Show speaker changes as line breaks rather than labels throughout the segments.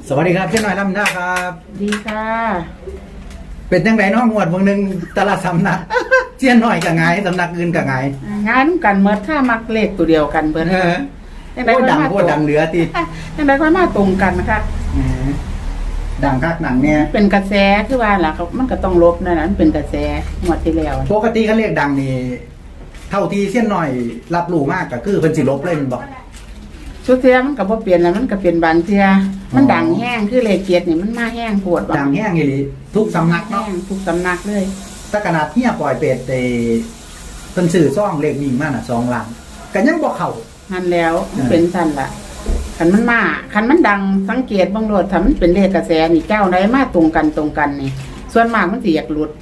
สวัสดีครับเช่นหน่อยลำหน้าครับ
ดีค่ะ
เป็นจังไรน้องงวดวงหนึ่งตลาดสำนัก เช่นหน่อยกับไงสำนักอื่นกับไง
งานกันเมื่อถ้ามักเลขตัวเดียวกันเบิร์
โคตรดังโคตรดังเหลือตี
ยังไงค่อยมาตรงกันนะคะ
ดังคักหนังเนี่ย
เป็นกระแสคือว่าล่ะมันก็ต้องลบนั่นนะมันเป็นกระแสงวดที่แล้ว
ปกติเขาเรียกดังนี่เท่าที่เช่นหน่อยรับรู้มากก็คือเป็นสิลบเลยมันบอก
ชุดเทียมันก็บ่เปลี่ยนแล้วมันก็เปลี่ยนบางเทียมันดังแห้งคือเลขเกียรตินี่มันมาแห้งปวด
ดังแห้งอย่างนี้ทุกสำนัก
แห้
เนาะ
งทุกสำนักเลย
ถ้าขนาดเที่ยปล่อยเป็ดเป็นสื่อซ่องเลขวิ่งมากน่ะ2 ล้านกันยังบอกเขา
นั่นแล้วมันเป็นสั่นล่ะคันมันมาคันมันดังสังเกตบางโลดถ้ามันเป็นเลขกระแสนี่เจ้าใดมาตรงกันนี่ส่วนมากมันสิอยากหลุด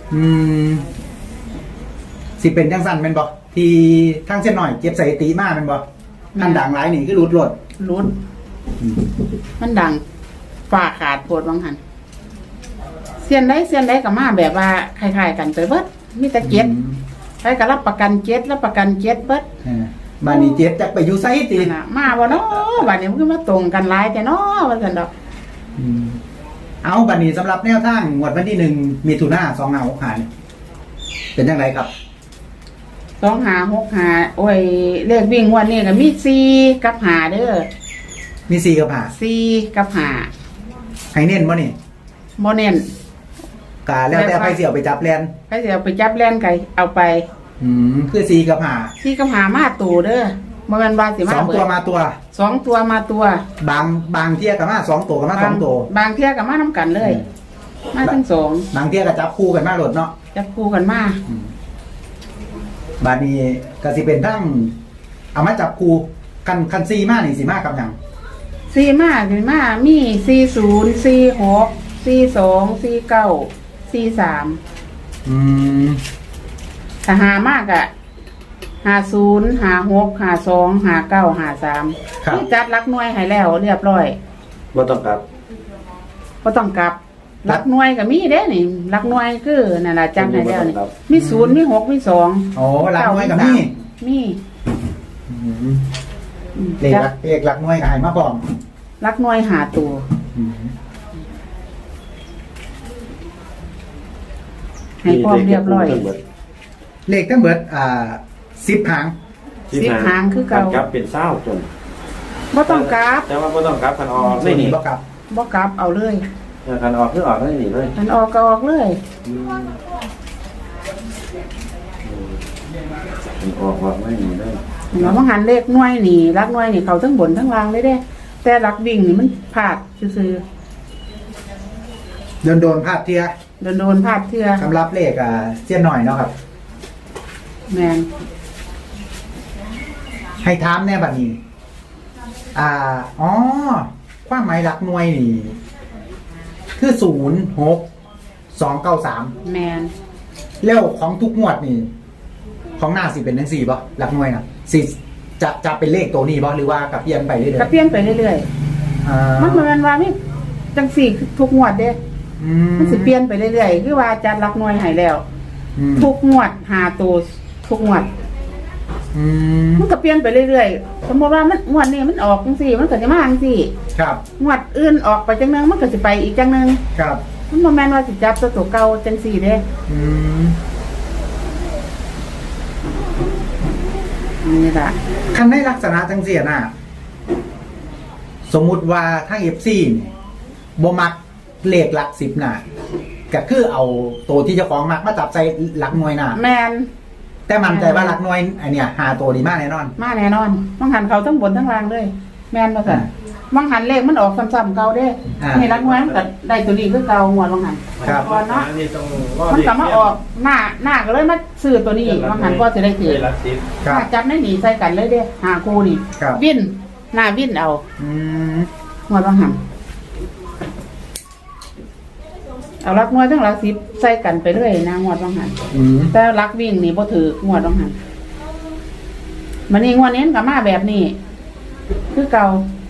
สิเป็นจังสันเป็นบอกที่ทั้งเส้นหน่อยเก็บสถิติมากเป็นบอกอันดังหลายนี่คือรุด
รุดมันดังฝ่าขาดปวดบางหันเสียนได้กับมาแบบว่าคล้ายๆกันไปเบิดมีแต่เจ็ดใครก็รับประกันเจ็ดเบิด
บานนี้เจ็บจากไปอยู่ไซตี
นั่นน่ะมาบ่เนาะบัดนี้มันก็มาตรงกันหลายแต่เนาะว่าซั่นดอก
เอาบานนี้สำหรับแนวทางงวดวันที่1มิถุนายน2565นี่เป็นยังไงครับ
2565โอ้ยเลขวิ่งงวดนี้ก็มี4กับ5เด้อ
มี4กับ
4กับ
5ให้เน้นบ่นี่
5บ่เน้น
กาแล้วแต่ไปเสี่ยวไปจับแลน
ใครสิเอาไปจับแล่นไก่เอาไป
คือ4กับ
4กับ5มาตู่เด้อบ่แม่นว่าสิ
5
มา
2
เบิ
ตัว
ด
มาตัว
2ตัวมาตัว
บางเที่ยกับมา2ตัวกับมา2ตัว
บางเที่ยกับมาน้ำกันเลย มาทั้งสอง
บางเที่ยกับจับคู่กันมาโหลดเนาะ
จับคู่กันมา
บานนี้ก็สิเป็นทั้งเอามาจับคู่คันซีมานี่สิมากับหยัง
สี่มาสี่มามี40 46 42 49 43ถ้าหามากอะ50 56 52 59 53นี่จัดรักหน่วยให้แล้วเรียบร้อย
บ่ต้องกลับ
บ่ต้องกลับรักหน่วยก็มีเด้นี่รักหน่วยคือนั่นล่ะจัดให้แล้วนี่มี0มี6มี2
โอ้หลักหน่วยกับนี่
มี
เลขหลักหน่วยกับหายมาพร้อม
รักหน่วยหาตัวให้พร้อมเรียบร้อย
เลขทั้งเบิด10 หาง
10 หางคือเก่า
กลับเป็นเศร้าจน
บ่ต้องกลับ
แต่ว่าบ่ต้องกลับคันออก
ไม่
ไม่
หนี
หนี
บ่กลับ
บ่กลับเอาเลย
คันออกคือออกไม่หนีเลย
อันออกก็ออกเลย
คันออกไม่หนีเลย
เห็นว่าบ่หันเลขหน่วยนี่รักหน่วยนี่เขาทั้งบนทั้งล่างเลยเด้ แต่รักวิ่งนี่มันพลาดซื่อ
โดนพลาดเทีย
ๆโดนพลาดเทื่อ
สำหรับเลขเสี้ยนหน่อยเนาะครับ
แม่น
ให้ถามแน่บัดนี้ความหมายหลักหน่วยนี่คือ06293
แม่น
แล้วของทุกงวดนี่ ของหน้าสิเป็นจังซี่บ่หลักหน่วยน่ะสิจะเป็นเลขตัวนี้บ่หรือว่ากับเปลี่ยนไปเรื่อย
ก็เปลี่ยนไปเรื่อย
ๆ
ๆมันบ่แม่นว่ามีจังสี่ทุกงวดเด้มันสิเปลี่ยนไปเรื่อยๆคือว่าจัดรักหน่วยให้แล้ว ทุกงวดหาตัวทุกงวด มันก็เปลี่ยนไปเรื่อยๆ สมมติว่ามันงวดนี้มันออกจังซี่มันก็จะมาจังซี่
ครับ
งวดอื่นออกไปจังนึงมันก็สิไปอีกจังนึง
ครับ
มันบ่แม่นว่าสิจับตัวเก่าจังซี่เด้นี่ล่ะ
คันในลักษณะจังซี่น่ะสมมุติว่าทาง FC นี่บ่มักเลขหลัก10น่ะก็คือเอาตัวที่เจ้าของมักมาจับใส่หลักหน่วยน่ะ
แม่น
แต่มันใจว่าหลักหน่วยไอเนี่ยหาตัวดีมากแน่นอน
มาแน่นอนบางหันเขาทั้งบนทั้งล่างเลย แม่นบ่ซั่นบางหันเลขมันออกซ้ำๆเก่าเด้นี่รักหน่วยมันก็ได้ตัวนี้คือเก่างวดบางหันก่อนเนาะมันก็มาออกหน้าก็เลยมาซื้อตัวนี้บางหันก็สิได้ถือ
ครับ
ถ้าจับไม่หนีใส่กันเลยเด้หาคู่นี่
ครับ
วินหน้าวินเอา งวดบางหันเอารักงวดทั้งรักสิบใส่กันไปเรื่อยนะงวดบางหันแต่รักวิ่งนี่บ่ถืองวดบางหันมันนี่งวดนี้กับมาแบบนี้คือเก่า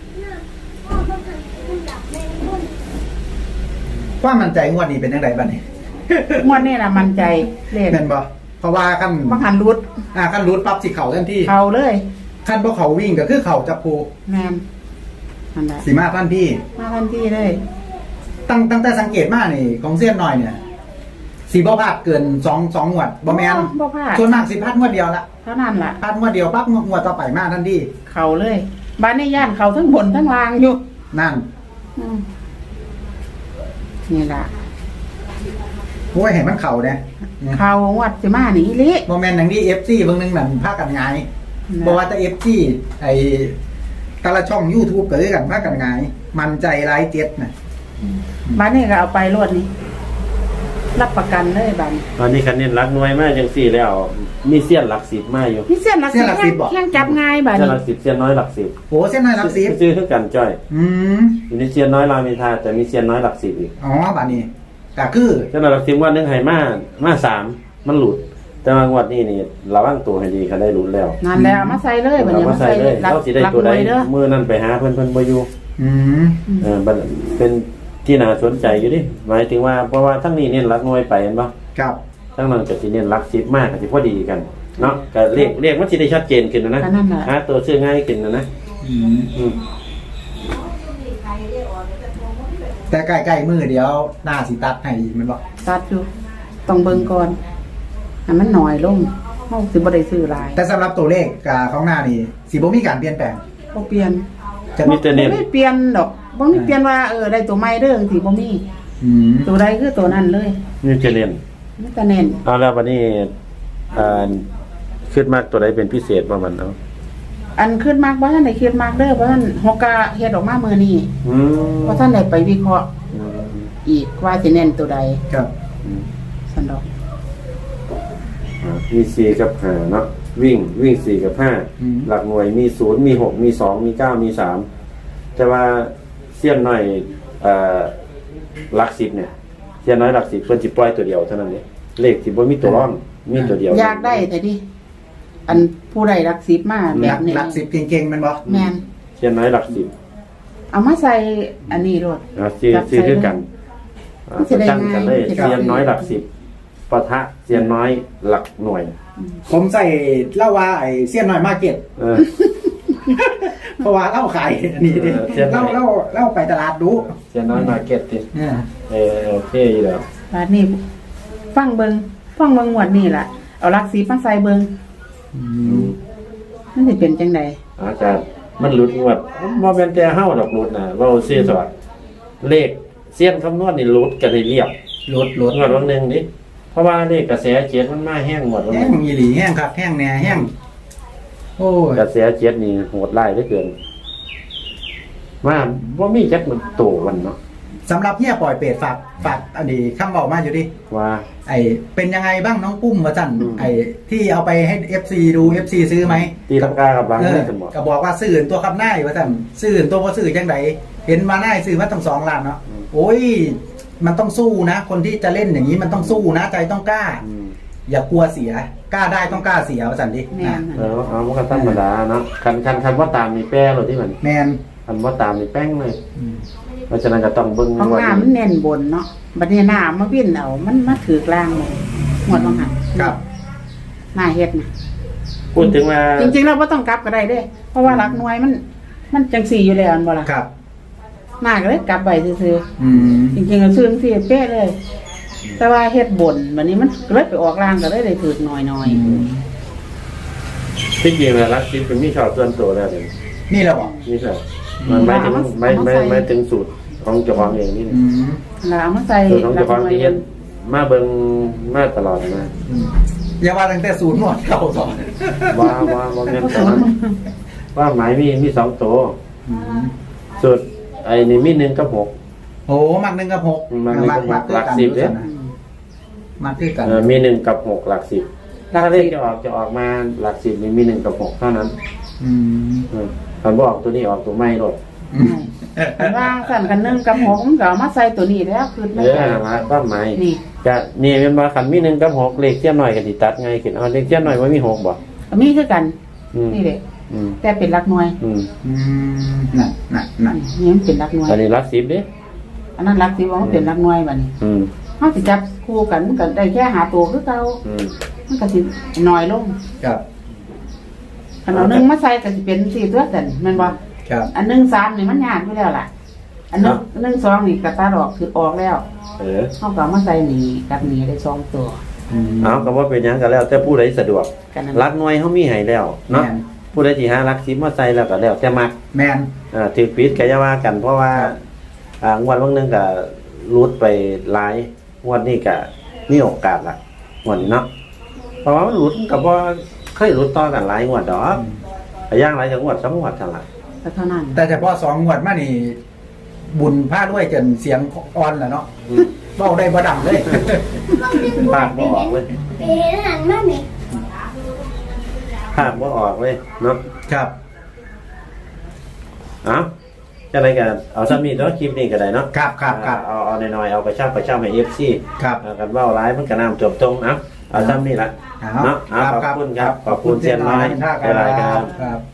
ว่ามันใจงวดนี้เป็นยังไงบ้างนี่
งวดนี้น่ะมั่นใจเลข
แม่นบ่เพราะว่าขั้น
บางหันรุด
ขั้นรูดปั๊บสิเข่าทันที
เขาเลย
ขั้นพวกเขาวิ่งก็คือเข่าจับภู
แม่นนั่นแหละ
สีมาท่านพี่
มาทันทีเลย
ตั้งแต่สังเกตมานี่ของเสี้ยนหน่อยเนี่ยสีบ่พลาดเกินสองงวดบ่แมน
บ่พลาด
ส่วนมากสิพลาดงวดเดียวละ
เท่านั้นล่ะ
พลาดงวดเดียวปั๊บงวดต่อไปมาทันที
เขาเลยบ้านในย่านเขาทั้งบนทั้งล่างอยู่
นั่น
อืมนี่ล่ะ
โอ้ยเห็นมันเข่าเนี่ย
เขาวัดสิมานี่อีหลิ
โมเมนต์อย่างที่ FC เบิ่งหนึงนั่นพากันไงายบ่ว่าแต่ FC ไอ้แต่ละช่อง YouTube ก็คือกันพากันไงายมันใจร้ายเจ็ดน่ะ
บ้านนี้ก็เอาไปรวดนี้รับประกันเลยบ้าน
ตอนนี้คันเน้นรักหน่วยมากจังสี่แล้ว มีเสี้ยนหลักสิบมาอยู่
พี่เส้นหลักสิบแข่งจับง่ายบ้าน
เสี้ยน
นี้
หลักสิบเสี้ยนน้อยหลักสิบ
โอ้เส้นน้อยรับสิบ
ซื้อคือกันจ้อย
อืม
อยู่ในเสี้ยนน้อยรามอินทราแต่มีเสี้ยนน้อยหลักสิบอีก
อ๋อบัดนี้ก็คือ
เสี้ยนน้อยหลักสิบวันหนึงให้มาสามมันหลุด แต่ว่างวดนี้นี่ระวังตัวให้ดีคันได้หลุดแล้ว
นั่นแล้วเอามาใส่เลยบ้าน
เอา
นี้
มาใส่เลย
หลัก
เราสิได้
หลัก
ตัว
ห
ใด
น่วยเด้อ
มือนั่นไปหาเพิ่นบ่อยู่
อืม
บัดเป็นที่น่าสนใจอยู่ดิหมายถึงว่าเพราะว่าทั้งนี้เน้นรักหน่วยไปเห็นบ่
ครับ
ทั้งนั้นก็สิเน้นรักสิบมากก็สิพอดีกันเนาะก็เรียกมันสิได้ชัดเจนขึ้นนะ
ก็นั่นแหละ
หาตัวชื่อง่ายขึ้นนะ
อืม
อืม
แต่ใกล้ๆมือเดียวหน้าสิตัดให้อีกแมันบ่
ตัดอยู่ต้องเบิ่งก่อนให้มันหน่อยลงเฮาสิบ่ได้ซื้อหลาย
แต่สำหรับตัวเลขของหน้านี่สิบ่มีการเปลี่ยนแปลง
บ่เปลี่ยน
จะ
มีแต่เน้น
บ่มีเปลี่ยนดอกบ่มีเปลี่ยนว่าได้ตัวใหม่เด้อสิบ่มี
อืม
ตัวใดคือตัวนั้นเลย
นี่จะเน้น
มีแต่เน้น
เอาแล้ววันนี้คิดมากตัวใดเป็นพิเศษบ่มันเอา
อันขึ้นมากบ่ทันได้คิดมากเด้อบ่ทันฮอกกะเฮ็ดออกมามื้อนี้
อืม
บ่ทันได้ไปวิเคราะห์
อืม
อีกว่าสิเน้นตัวใด
ครับ
อืม
ซั่นดอก
มี4กับ5เนาะวิ่ง4กับ5หลักหน่วยมี0มี6มี2มี9มี3แต่ว่าเสี้ยนน้อยหลัก10เนี่ยเสี้ยนน้อยหลัก10เพิ่นสิปล่อยตัวเดียวเท่านั้นเด้เลขสิบ่มีตัวรองมีตัวเดียว
อยากได้แต่ดิอันผู้ใดรักสิบมาแบ
หลั
บ
ก
นี้
หลักสิบเก่งๆแมันบ่
แม่น
เสี้ยนน้อยหลัก10
เอามาใส่อันนี้โลด
ซื้อคือกัน
มันจะได้
ตั้งกันเลย
ง่าย
เสียนน้อยหลัก10ปะทะเสียนน้อยหลักหน่วย
ผมใส่เล่าว่าไอ้เสี้ยนน้อยมาร์เก็ต
เออ
เพราะว่าเล่าขายอันนี้ดิ
เสี้ยนน้อย
เล่าไปตลาดดู
เสียนน้อยมาร์เก็ตดิ
เนี่ย
โอเคอยู่แล้ว
บาดนี้ฟังเบิ่งหมวดนี่ล่ะเอารักสิบมาใส่เบิ่งมันสิเป็นจังได๋
อาจารย์มันหลุดงวดบ่แม่นแต่เฮาดอกหลุดนะเว้าซื่อสวัสดเลขเสียนคำนวณนี่หลุดกันให้เรียบ
รถ
งวดวันหนึงดิเพราะว่าเลขกระแสเจ็ดมันมาแห้งหมดวัน
แห้
นึ
ง
ง
มีหลีแห้งครับแห้งแหน่แห้งโอ้ย
กระแสเจ็ดนี่โหดร้ายเหลือเกินว่าบ่มีจักมันโตวันเนาะ
สำหรับเฮียปล่อยเป็ดฝากอันนี้คำบอกมาอยู่ดิ
ว่า
ไอเป็นยังไงบ้างน้องปุ้มวะจัน
อืม
ไอที่เอาไปให้ FC ดู FC ซื้อไหม
ตีลังกากับหลัง
เออ
ไม่สมอง
ก็บอกว่าซื้อตัวคำหน้าอยู่วะจันซื้อตัวพอซื้อจังไดเห็นมาหน้าซื้อมาตั้ง2 ล้านเนาะโอ้ยมันต้องสู้นะ คนที่จะเล่นอย่างนี้มันต้องสู้นะใจต้องกล้า อย่ากลัวเสียกล้าได้ต้องกล้าเสียวะจันดิ
แม่
นะ
น
เอามันก็ธรรมดาเนาะคันว่าตามมีแป้เลยที่มัน
แมน
คันว่าตามมีแป้งเลย
อืม
เพราะฉะนั้นก็ต้องเบิ่ง
ของ
ว่า
น้ามันเน้นบนเนาะบัดนี้หน้ามาวิ่นเอามันมาถือกลางหมดหมดว่าหั่น
ครับ
หน้าเฮ็ดน่ะ
พูดถึงว่า
จริงๆเราบ่ต้องกลับก็ได้เด้เพราะว่ารักหน่วยมันจังสี่อยู่แล้วอันบ่ล่ะ
ครับ
หน้าก็เลยกลับไปซื่อ
อืม
ๆจริงๆก็ซื้อจังซี่เป๊ะเลย แต่ว่าเฮ็ดบนบัดนี้มันเลยไปออกล่างก็เลยได้ถือกน้อย
ที่จริงแล้วรักชิปเป็นมีชอบส่วนตัวแล้วเนี่ย
นี่เราบอก
นี่แหละมันไม่ถึงสูตรของเจ้าของเองนี่
อืม
ๆแล้วเอามาใส่
สูตรของ
รั
เจ้าก ของ
หน่วย
ที่เฮ็ดมาเบิ่งมาตลอดมา
อืมอย่าว่าตั้งแต่ศูนย์หมดเก่าก่อน
ว่าแม่นแต่ว่าหมายมี2ตัว
อืม
สูตรไอ้นี่มี1กับ6
โอ้มัก1 กับ 6
มัก1กับ6หลัก10เด้
มักคือกัน
มี1กับ6หลัก10ถ้าเลขจะออกมาหลัก10นี่มี1กับ6เท่านั้น
อืม
คันบ่ออกตัวนี้ออกตัวใหม่โลด
อันว่าสั่นกัน1กับ6มันก็เอามาใส่ตัวนี้แล้วคือไม่ได้
มาความหมาย
นี่
จะนี่เป็นว่าคันมี1กับ6เลขเทียมหน่อยก็สิตัดง่ายขึ้นเอาเลขเทียมหน่อยบ่มี6บ่
ก็มีคือกัน
อืม
นี่แหละ
อืม
แต่เป็นรักหน่วย
อืม
อืมนั่น
นี่มันเป็นรักหน่วย
อันนี้หลัก10เด้
อันนั้นรักสิว่ามันเป็นรักหน่วยบัดนี้
อืม
เฮาสิจับคู่กันมันก็ได้แค่หาตัวคือเก่า
อืม
มันก็สิน้อยลง
ครับ
คันเอาหนึงมาใส่ก็สิเป็น4ตัวแต่นแม่นบ่
ครับ
อันหนึ่งสามนี่มันยากอยู่แล้วล่ะ อันหนึ่งหนึ่งสองนี่กระตาดอกคือออกแล้ว เขาก็มาใส่หนีกับหนีได้2 ตัว
เอาก็ว่าเป็นหยังกันแล้ว แต่ผู้ใดสะดวก
กันนั้น
รักหน่วยเขามีให้แล้วเนาะ
แม่น
ผู้ใดที่หารัก10มาใส่แล้วก็แล้วแต่มัก
แมน
ถือปิดก็อย่าว่ากันเพราะว่า
ครับ
งวดบางนึงก็รุดไปหลายงวดนี้ก็มีโอกาสละงวดนี้เนาะเพราะว่ามันหลุดกับว่าเคยหลุดต่อกันหลายงวดดอกแต่ย่างหลายจังหวัด2 งวดเท่านั้น
ก็เท่านั้น
แต่เฉพาะ2 งวดมานี่ บุญพลาดด้วยจนเสียงอ่อนแล้วเนาะเบ้าได้บ่ดังเลย
ภาคบ่ออกเลย
ไปเห็นหันมาไหม
ภาคบ่ออกเลยเนาะ
ครับ
เอาจะอะไรกันเอาซ้ำนี่เนาะคลิปนี้ก็ได้เนาะ
ครับครับครับ
เอาหน่อยๆเอาไปเช่าให้ FC
ครับ
กันเว้าหลายมันก็น้ำจมตรงเอาซ้ำนี่ละ
เอา
เนาะเอาขอบคุณครับขอบคุณเซียนน้อย
ค
หลายๆค
รั
รั
บบ ครับ